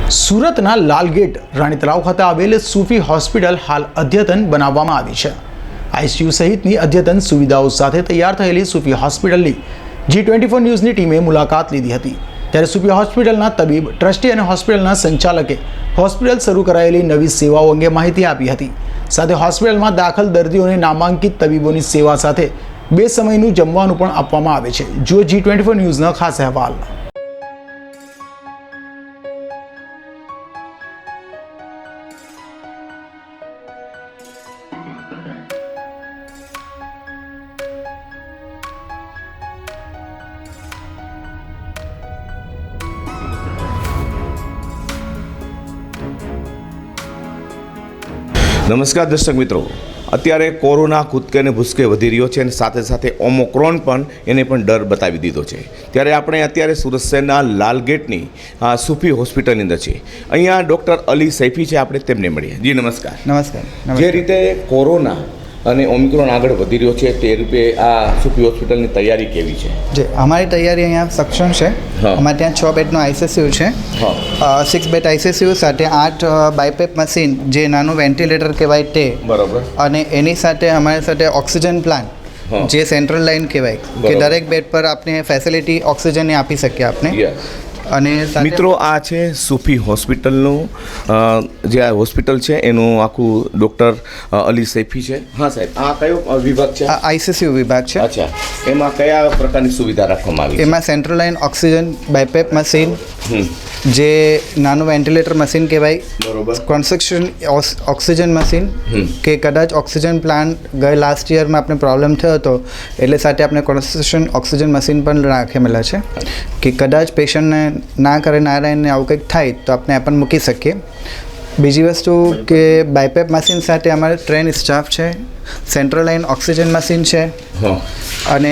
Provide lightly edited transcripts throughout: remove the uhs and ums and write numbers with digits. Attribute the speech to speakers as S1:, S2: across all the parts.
S1: સુરતના લાલગેટ રાણી તળાવ ખાતે આવેલ સૂફી હોસ્પિટલ હાલ અદ્યતન બનાવવામાં આવી છે। આઈસીયુ સહિતની અદ્યતન સુવિધાઓ સાથે તૈયાર થયેલી સૂફી હોસ્પિટલની G24 ન્યૂઝની ટીમે મુલાકાત લીધી હતી। ત્યારે સૂફી હોસ્પિટલના તબીબ, ટ્રસ્ટી અને હોસ્પિટલના સંચાલકે હોસ્પિટલ શરૂ કરાયેલી નવી સેવાઓ અંગે માહિતી આપી હતી। સાથે હોસ્પિટલમાં દાખલ દર્દીઓને નામાંકિત તબીબોની સેવા સાથે 2 સમયનું જમવાનું પણ આપવામાં આવે છે। જુઓ G24 ન્યૂઝનો ખાસ અહેવાલ।
S2: નમસ્કાર દર્શક મિત્રો, અત્યારે કોરોના કૂદકે ને ભૂસકે વધી રહ્યો છે અને સાથે સાથે ઓમિક્રોન પણ એને પણ ડર બતાવી દીધો છે। ત્યારે આપણે અત્યારે સુરત શહેરના લાલગેટની સૂફી હોસ્પિટલની અંદર છે। અહીંયા ડૉક્ટર અલી સૈફી છે, આપણે તેમને મળીએ। જી નમસ્કાર।
S3: નમસ્કાર।
S2: જે રીતે કોરોના અને ઓમિક્રોન આગળ વધી રહ્યો છે તે રૂપે આ સૂફી હોસ્પિટલની તૈયારી કેવી છે?
S3: જે અમારી તૈયારી અહીંયા સક્ષમ છે। અમારે ત્યાં 6 બેડનો આઈસીયુ છે, 6 બેડ આઈસીયુ સાથે 8 બાયપેપ મશીન જે નાનું વેન્ટિલેટર કહેવાય તે, બરાબર, અને એની સાથે અમારી સાથે ઓક્સિજન પ્લાન્ટ જે સેન્ટ્રલ લાઇન કહેવાય કે દરેક બેડ પર આપણે ફેસિલિટી ઓક્સિજનની આપી શકીએ આપણે। અને
S2: મિત્રો આ છે સૂફી હોસ્પિટલનું જે આ હોસ્પિટલ છે એનું આખું ડૉક્ટર અલી સૈફી છે। હા સાહેબ, આ કયો વિભાગ છે?
S3: આઈસીયુ વિભાગ છે।
S2: અચ્છા, એમાં કયા પ્રકારની સુવિધા રાખવામાં આવી છે?
S3: એમાં central line oxygen BiPAP machine જે નાનું વેન્ટિલેટર મશીન કહેવાય,
S2: બરોબર,
S3: કન્સ્ટ્રક્શન ઓક્સિજન મશીન કે કદાચ ઓક્સિજન પ્લાન્ટ લાસ્ટ યરમાં આપણે પ્રોબ્લેમ થયો હતો એટલે સાથે આપણે કન્સ્ટ્રક્શન ઓક્સિજન મશીન પણ રાખેલા છે કે કદાચ પેશન્ટને ના કરે નારાયણને આવું કંઈક થાય તો આપણે આ પણ મૂકી શકીએ। બીજી વસ્તુ કે બાયપેપ મશીન સાથે અમારે ટ્રેન સ્ટાફ છે, સેન્ટ્રલ લાઇન ઓક્સિજન મશીન છે અને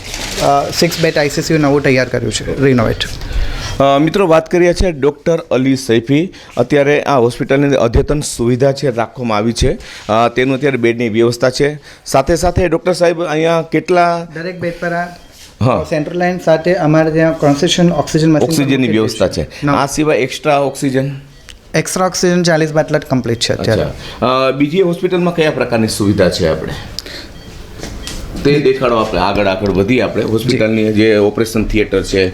S3: 6 બેડ આઈસીયુ નવું તૈયાર કર્યું છે, રિનોવેટ।
S2: મિત્રો વાત કરીએ છીએ ડૉક્ટર અલી સૈફી। અત્યારે આ હોસ્પિટલની અદ્યતન સુવિધા છે રાખવામાં આવી છે, તેનું અત્યારે બેડની વ્યવસ્થા છે। સાથે સાથે ડૉક્ટર સાહેબ અહીંયા કેટલા
S3: દરેક બેડ પર સેન્ટ્રલ લાઇન સાથે અમારે ત્યાં કન્સ્ટ્રક્શન ઓક્સિજનની
S2: વ્યવસ્થા છે। આ સિવાય એક્સ્ટ્રા ઓક્સિજન
S3: 40 બાટલા કમ્પ્લીટ છે અત્યારે।
S2: બીજી હોસ્પિટલમાં કયા પ્રકારની સુવિધા છે આપણે તે દેખાડો। આપણે આગળ વધી આપણે હોસ્પિટલની જે ઓપરેશન થિયેટર છે,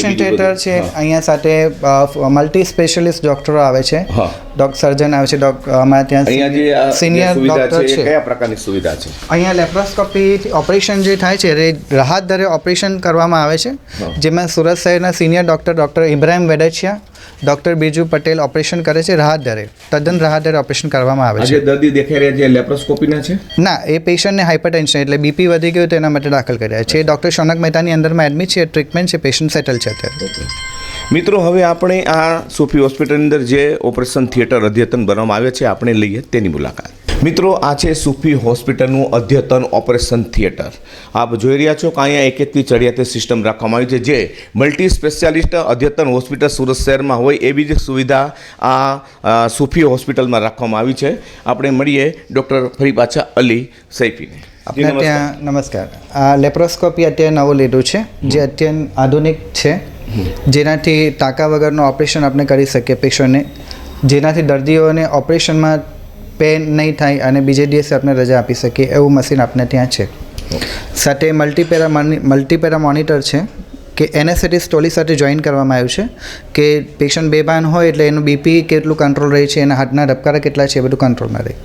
S3: અહીંયા સાથે મલ્ટી સ્પેશિયલિસ્ટ ડોક્ટરો આવે છે, સર્જન આવે છે, અમારે ત્યાં સિનિયર ડોક્ટર છે।
S2: કયા પ્રકારની સુવિધા છે?
S3: અહીંયા લેપ્રોસ્કોપી ઓપરેશન જે થાય છે એ રાહત દરે ઓપરેશન કરવામાં આવે છે, જેમાં સુરત શહેરના senior doctor Ibrahim Vedechiya, doctor Biju Patel operation કરે છે રાહત દરે, તદ્દન રાહત દરે ઓપરેશન કરવામાં આવે છે।
S2: દર્દી દેખાઈ રહ્યા છે લેપ્રોસ્કોપીના છે?
S3: ના, એ પેશન્ટને હાઇપરટેન્શન એટલે બીપી વધી ગયું તેના માટે દાખલ કર્યા છે। ડૉક્ટર શૌનક મહેતાની અંદરમાં એડમિટ છે, ટ્રીટમેન્ટ છે, પેશન્ટ સેટલ છે અત્યારે।
S2: મિત્રો હવે આપણે આ સૂફી હોસ્પિટલની અંદર જે ઓપરેશન થિયેટર અદ્યતન બનાવવામાં આવે છે આપણે લઈએ તેની મુલાકાત। મિત્રો આ છે સૂફી હોસ્પિટલનું અદ્યતન ઓપરેશન થિયેટર। આપ જોઈ રહ્યા છો કે અહીંયા એકેથી ચડિયાતી સિસ્ટમ રાખવામાં આવી છે, જે મલ્ટી સ્પેશિયાલિસ્ટ અદ્યતન હોસ્પિટલ સુરત શહેરમાં હોય એવી જ સુવિધા આ સૂફી હોસ્પિટલમાં રાખવામાં આવી છે। આપણે મળીએ ડૉક્ટર ફરી પાછા અલી સૈફીને।
S3: આપણે ત્યાં નમસ્કાર। આ લેપ્રોસ્કોપી અત્યારે નવું લીધું છે જે અત્યંત આધુનિક છે, જેનાથી ટાંકા વગરનું ઓપરેશન આપણે કરી શકીએ પેશન્ટને, જેનાથી દર્દીઓને ઓપરેશનમાં પેન નહીં થાય અને બીજે દિવસે આપણે રજા આપી શકીએ એવું મશીન આપણે ત્યાં છે। સાથે મલ્ટીપેરા મોનિટર છે કે એનેસ્થેટિક સ્ટોલી સાથે જોઈન કરવામાં આવ્યું છે કે પેશન્ટ બેભાન હોય એટલે એનું બીપી કેટલું કંટ્રોલ રહે છે, એના હાથના ધબકારા કેટલા છે એ બધું કંટ્રોલમાં રહે।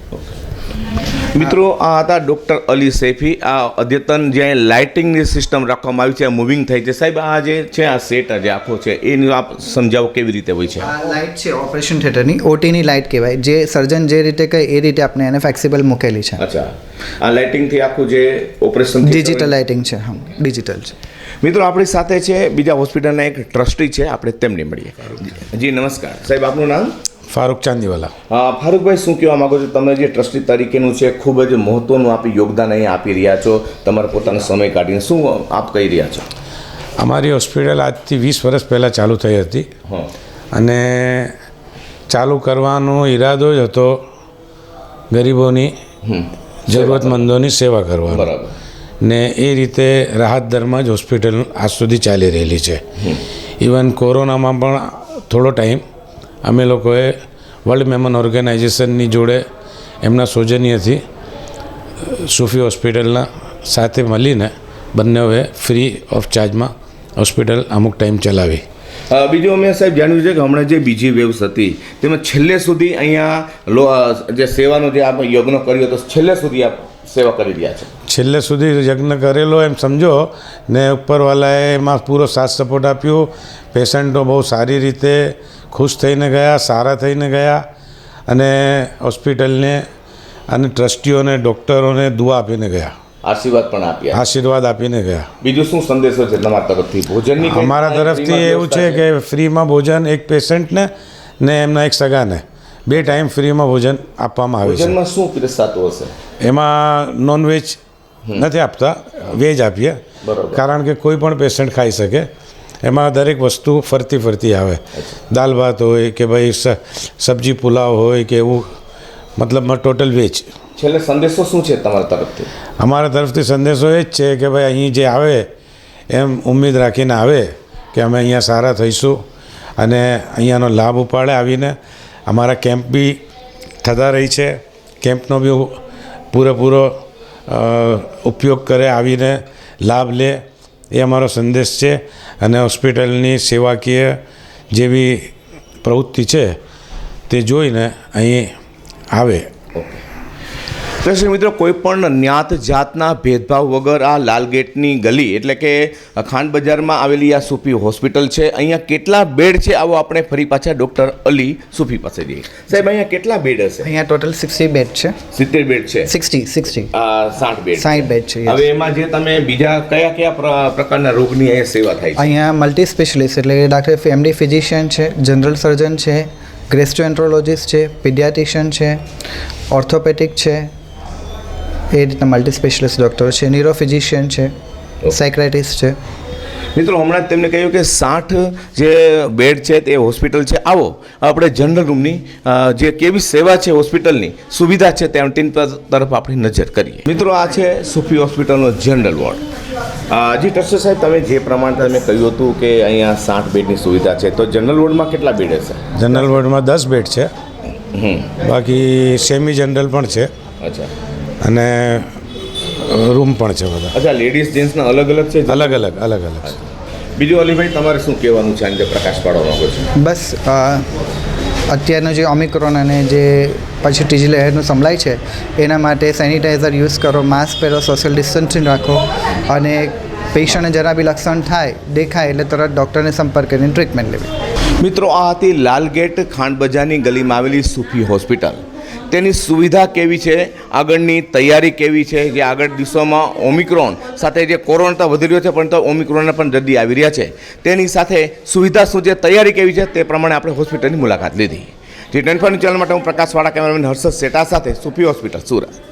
S2: મિત્રો આ હતા ડૉક્ટર અલી સૈફી। આ અદ્યતન જે લાઇટિંગની સિસ્ટમ રાખવામાં આવી છે, મૂવિંગ થઈ છે। સાહેબ આ જે છે આ સેટ જે આખો છે એનું આપ સમજાવો કેવી રીતે હોય છે?
S3: આ લાઇટ છે ઓપરેશન થિયેટરની, ઓટીની લાઇટ કહેવાય, જે સર્જન જે રીતે કહે એ રીતે આપણે એને ફ્લેક્સિબલ મૂકેલી છે।
S2: અચ્છા, આ લાઇટિંગથી આખું જે ઓપરેશન
S3: ડિજિટલ લાઇટિંગ છે, હા ડિજિટલ છે।
S2: મિત્રો આપણી સાથે છે બીજા હોસ્પિટલના એક ટ્રસ્ટી છે, આપણે તેમને મળીએ। જી નમસ્કાર સાહેબ, આપનું નામ?
S4: ફારૂક ચાંદીવાલા।
S2: ફારૂકભાઈ, શું કહેવા માગો છો? તમે જે ટ્રસ્ટી તરીકેનું છે ખૂબ જ મહત્ત્વનું આપી યોગદાન અહીંયા આપી રહ્યા છો, તમારા પોતાનો સમય કાઢીને શું આપ કહી રહ્યા છો?
S4: અમારી હોસ્પિટલ આજથી 20 વર્ષ પહેલાં ચાલુ થઈ હતી અને ચાલુ કરવાનો ઈરાદો જ હતો ગરીબોની, જરૂરતમંદોની સેવા કરવાનો।
S2: બરાબર।
S4: ને એ રીતે રાહત દરમાં જ હોસ્પિટલ આજ સુધી ચાલી રહેલી છે। ઇવન કોરોનામાં પણ થોડો ટાઈમ અમે લોકોએ વર્લ્ડ મેમન ઓર્ગેનાઇઝેશનની જોડે એમના સૌજન્યથી સૂફી હોસ્પિટલના સાથે મળીને બંનેઓએ ફ્રી ઓફ ચાર્જમાં હોસ્પિટલ અમુક ટાઈમ ચલાવી.
S2: બીજું અમે સાહેબ જાણ્યું છે કે હમણાં જે બીજી વેવ્સ હતી તેમાં છેલ્લે સુધી અહીંયા જે સેવાનો જે આપણે યજ્ઞ કર્યો તો છેલ્લે સુધી આપ સેવા કરી રહ્યા છે.
S4: છેલ્લે સુધી યજ્ઞ કરેલો એમ સમજો ને ઉપરવાલાએ એમાં પૂરો સાથ સપોર્ટ આપ્યો. પેશન્ટો બહુ સારી રીતે ખુશ થઈને ગયા, સારા થઈને ગયા અને હોસ્પિટલને અને ટ્રસ્ટીઓને ડૉક્ટરોને દુઆ આપીને ગયા,
S2: આશીર્વાદ પણ આપ્યા,
S4: આશીર્વાદ આપીને ગયા.
S2: બીજું શું સંદેશો છે તમારા તરફથી? ભોજનની
S4: અમારા તરફથી એવું છે કે ફ્રીમાં ભોજન એક પેશન્ટને ને એમના એક સગાને 2 ટાઈમ ફ્રીમાં ભોજન આપવામાં આવે છે.
S2: ભોજનમાં શું પીરસાતું હશે?
S4: એમાં નોનવેજ નથી આપતા, વેજ આપીએ, કારણ કે કોઈ પણ પેશન્ટ ખાઈ શકે. એમાં દરેક વસ્તુ ફરતી આવે, દાલ ભાત હોય કે ભાઈ સબ્જી પુલાવ હોય કે એવું, મતલબમાં ટોટલ વેજ.
S2: છેલ્લે સંદેશો શું છે તમારા તરફથી?
S4: અમારા તરફથી સંદેશો એ જ છે કે ભાઈ અહીં જે આવે એમ ઉમ્મીદ રાખીને આવે કે અમે અહીંયા સારા થઈશું અને અહીંયાનો લાભ ઉપાડે. આવીને અમારા કેમ્પ બી થતા રહી છે, કેમ્પનો બી પૂરેપૂરો ઉપયોગ કરે, આવીને લાભ લે, એ અમારો સંદેશ છે. અને હોસ્પિટલની સેવાકીય જેવી પ્રવૃત્તિ છે તે જોઈને અહીં આવે.
S2: દર્શક મિત્રો, કોઈ પણ જ્ઞાત જાતના ભેદભાવ વગર આ લાલગેટની ગલી એટલે કે ખાંડ બજારમાં આવેલી આ સૂફી હોસ્પિટલ છે. અહીંયા કેટલા બેડ છે આવો આપણે ફરી પાછા ડૉક્ટર અલી સૂફી પાસે જઈએ. સાહેબ, અહીંયા કેટલા બેડ હશે?
S3: અહીંયા ટોટલ 60 બેડ છે.
S2: 70 બેડ છે.
S3: 60
S2: 60 બેડ.
S3: 60 બેડ છે.
S2: હવે એમાં જે તમે બીજા કયા પ્રકારના રોગની અહીંયા સેવા થાય છે?
S3: અહીંયા મલ્ટી સ્પેશિયલિસ્ટ એટલે ડાક્ટર ફેમિલી ફિઝિશિયન છે, જનરલ સર્જન છે, ગેસ્ટ્રોએન્ટ્રોલોજિસ્ટ છે, પીડિયાટિશિયન છે, ઓર્થોપેડિક છે, એ રીતના મલ્ટી સ્પેશિયલિસ્ટ ડૉક્ટર છે, ન્યુરો ફિઝિશિયન છે, સાયક્રેટિસ્ટ છે.
S2: મિત્રો, હમણાં જ તેમને કહ્યું કે 60 જે બેડ છે તે હોસ્પિટલ છે. આવો આપણે જનરલ રૂમની જે કેવી સેવા છે, હોસ્પિટલની સુવિધા છે તેની તરફ આપણી નજર કરીએ. મિત્રો, આ છે સૂફી હોસ્પિટલનો જનરલ વોર્ડ. જી ટ્રસ્ટી સાહેબ, તમે જે પ્રમાણે તમે કહ્યું હતું કે અહીંયા 60 બેડની સુવિધા છે, તો જનરલ વોર્ડમાં કેટલા બેડ હશે?
S4: જનરલ વોર્ડમાં 10 બેડ છે, બાકી સેમી જનરલ પણ છે.
S2: અચ્છા.
S4: અને રૂમ પણ છે બધા.
S2: અચ્છા, લેડીઝ જેન્ટ્સના અલગ અલગ છે?
S4: અલગ અલગ.
S2: બીજું અલીભાઈ, તમારે શું કહેવાનું છે આને પ્રકાશ પાડવા માંગો છો?
S3: બસ અત્યારનું જે ઓમિક્રોન અને જે પછી ત્રીજી લહેરનું સંભળાય છે એના માટે સેનિટાઈઝર યુઝ કરો, માસ્ક પહેરો, સોશિયલ ડિસ્ટન્સિંગ રાખો અને પેશન્ટને જરા બી લક્ષણ દેખાય એટલે તરત ડૉક્ટરને સંપર્ક કરીને ટ્રીટમેન્ટ લેવી.
S2: મિત્રો, આ હતી લાલગેટ ખાંડ બજારની ગલીમાં આવેલી સૂફી હોસ્પિટલ. તેની સુવિધા કેવી છે, આગળની તૈયારી કેવી છે, જે આગળ દિવસોમાં ઓમિક્રોન સાથે જે કોરોના તો વધી રહ્યો છે પણ તો ઓમિક્રોનના પણ દર્દી આવી રહ્યા છે, તેની સાથે સુવિધા શું છે, તૈયારી કેવી છે, તે પ્રમાણે આપણે હોસ્પિટલની મુલાકાત લીધી. T24 ચેનલ માટે હું પ્રકાશવાળા કેમેરામેન હર્ષદ શેઠા સાથે સૂફી હોસ્પિટલ, સુરત.